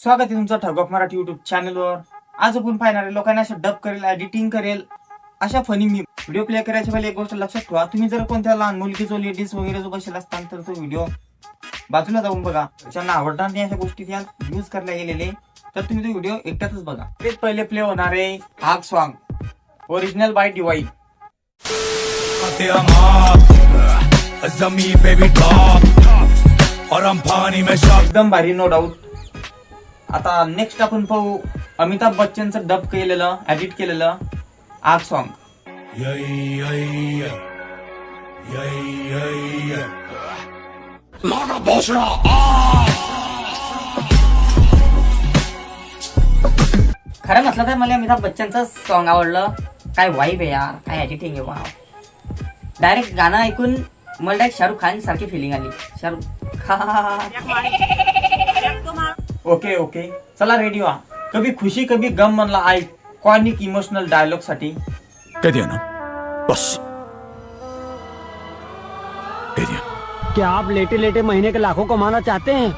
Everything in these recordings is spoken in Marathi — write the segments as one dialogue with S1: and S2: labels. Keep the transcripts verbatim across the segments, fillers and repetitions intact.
S1: स्वागत आहे तुमचं ठग ऑफ मराठी युट्यूब चॅनलवर। आज आपण पाहणार आहे लोकांना असं डब करेल, एडिटिंग करेल अशा फनी मी व्हिडिओ प्ले करायच्या पहिले एक गोष्ट लक्षात ठेवा, तुम्ही जर कोणत्या लहान मुलगी जो लेडीज वगैरे जो बसेल असताल तर तो व्हिडिओ बाजूला जाऊन बघा। ज्यांना आवडणार नाही अशा गोष्टी त्या यूज करायला गेलेले तर तुम्ही तो व्हिडिओ एकटाच बघा। ते पहिले प्ले होणार आहे आग सॉन्ग ओरिजिनल बाय डिवाई। एकदम भारी नो डाऊट। आता नेक्स्ट आपण पाहू अमिताभ बच्चनचं डब केलेलं एडिट केलेलं आग सॉन्ग।
S2: खरं म्हटलं तर मला अमिताभ बच्चनचं सॉन्ग आवडलं। काय वाईब आहे यार, काय एडिटिंग आहे, वाव। डायरेक्ट गाणं ऐकून मला डायरेक्ट शाहरुख खान सारखी फिलिंग आली। शाहरुख खान
S1: ओके ओके चला रेडी व्हा। कभी खुशी कभी गम म्हणला आयकॉनिक इमोशनल डायलॉग साठी
S3: कह दिया ना, बस कह दिया।
S4: क्या आप लेटे लेटे महीने के लाखों कमाना चाहते हैं?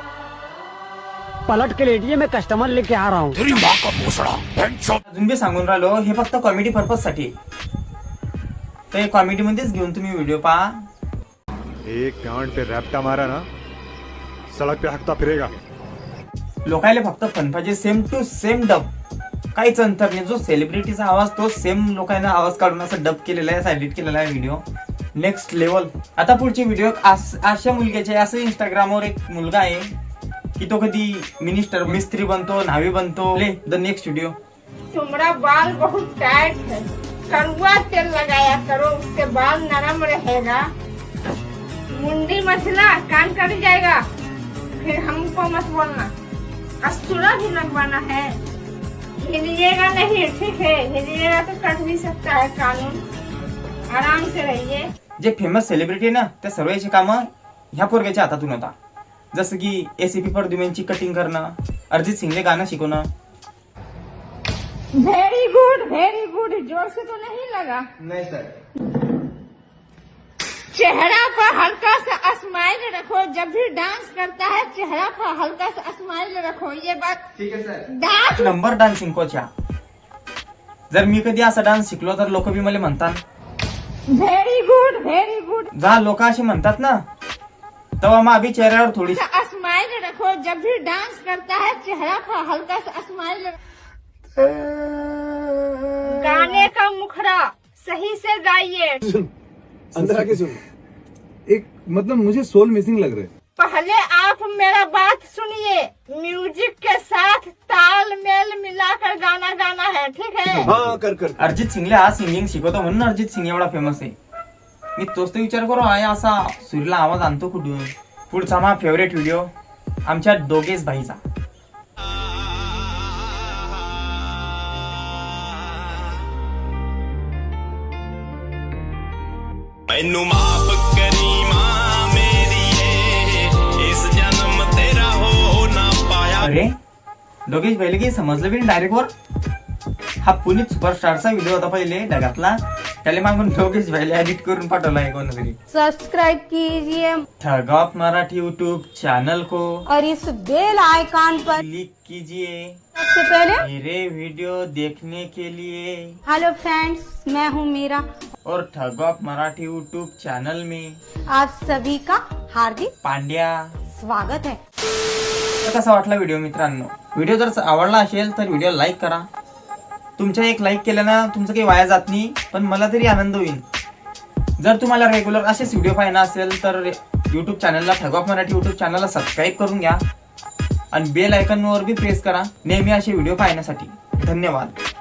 S4: पलट के लेटिए, मैं कस्टमर लेके आ रहा हूँ।
S3: तेरी माँ का भोसड़ा।
S1: अजून बी सांगून राहिलो हे फक्त कॉमेडी पर्पज साठी, तर कॉमेडी मध्येच घेऊन तुम्ही व्हिडिओ पहा।
S5: एक गांड पे रैप्टा मारा ना, सड़क पे हकता फिरेगा।
S1: लोकायले फक्त फन पाहिजे, सेम टू सेम डब, काहीच अंतर नाही। जो सेलिब्रिटीचा आवाज तो सेम लोकांना आवाज काढून असं डब केलेला आहे, एडिट केलेला आहे व्हिडिओ नेक्स्ट लेवल। आता पुढची व्हिडिओ अशा मुलग्याचे, असं इंस्टाग्रामवर एक मुलगा आहे की तो कधी मिनिस्टर मिस्त्री बनतो, न्हावी बनतो। ले द नेक्स्ट व्हिडिओ।
S6: तुम्हारा बाल बहुत टाइट है, कड़वा तेल लगाया करो, उसके बाल नरम रहेगा। मुंडी मसला कान कट जाएगा, फिर हमको मत बोलना। कस्तूरा भी लगवाना है, हिलिएगा नहीं, ठीक है? हिलिएगा तो कट भी सकता है कानून। आराम से रहिए।
S1: जे फेमस सेलिब्रिटी ना त्या सर्वांची कामं ह्या पोरग्याच्या हातातून होता, जसं की एसीपी परदुमेंची कटिंग करणं, अरिजित सिंगले गाणं शिकवणं।
S6: वेरी गुड वेरी गुड, जोर से तो नहीं लगा।
S1: नाही सर।
S6: चेहरा पर हल्का सा स्माइल रखो, जब भी डांस करता है चेहरा पर हल्का सा स्माइल रखो, ये बात
S1: ठीक है सर।
S6: डांस
S1: नंबर डान्सिंग कोचा। जर मी कधी असा डान्स शिकलो तर लोक बी मला म्हणतात
S6: वेरी गुड वेरी गुड।
S1: जा लोक असे म्हणतात ना, तेव्हा मग अभी चेहऱ्यावर थोडी
S6: स्माइल रखो, जब भी डांस करता है चेहरा पर हल्का सा स्माइल। गाने का मुखड़ा सही से गाइए।
S7: अंदर आके सुन। एक मतलब मुझे सोल मिसिंग लग रहा है।
S6: पहले आप मेरा बात सुनिए, म्यूजिक के साथ ताल मेल मिलाकर गाना गाना है, ठीक है?
S7: हाँ कर कर।
S1: अरिजित सिंगले हा सिंगिंग शिकवतो म्हणून अरिजित सिंग एवढा फेमस आहे। मी तोच तो विचार करू आहे असा सूर्यला आवाज आणतो कुठून। पुढचा माझा फेवरेट व्हिडिओ आमच्या दोघेच भाईचा।
S8: मैनू माफ करी मां मेरी, इस जन्म तेरा हो ना पाया।
S1: अरे दोघेच पहिले की समजलं बी डायरेक्ट वर। हा पुनीत सुपरस्टारचा व्हिडिओ होता पहिले ढगातला, त्याला मागून दोघेच पहिले एडिट करून पाठवला आहे कोणतरी।
S9: सब्सक्राइब कीजिए
S1: ठग ऑफ मराठी यूट्यूब चैनल को
S9: और इस बेल आइकॉन पर
S1: क्लिक कीजिए
S9: सबसे पहले।
S1: मेरे वीडियो देखने के लिए।
S9: हेलो फ्रेंड्स, मैं हूँ मीरा
S1: और ठग ऑफ मराठी यूट्यूब चैनल में
S9: आप सभी का हार्दिक
S1: पांड्या
S9: स्वागत है।
S1: तर कसा वाटला व्हिडिओ मित्रांनो? व्हिडिओ जर आवडला असेल तर व्हिडिओ लाईक करा। तुमच्या एक लाईक केल्यानं तुमचं काही वाया जात नाही, पण मला तरी आनंद होईल। जर तुम्हाला रेग्युलर असेच व्हिडिओ पाहायला असेल तर युट्यूब चॅनलला ठग ऑफ मराठी युट्यूब चॅनलला सबस्क्राईब करून घ्या आणि बेल आयकॉनवर बी प्रेस करा नेहमी असे व्हिडिओ पाहण्यासाठी। धन्यवाद।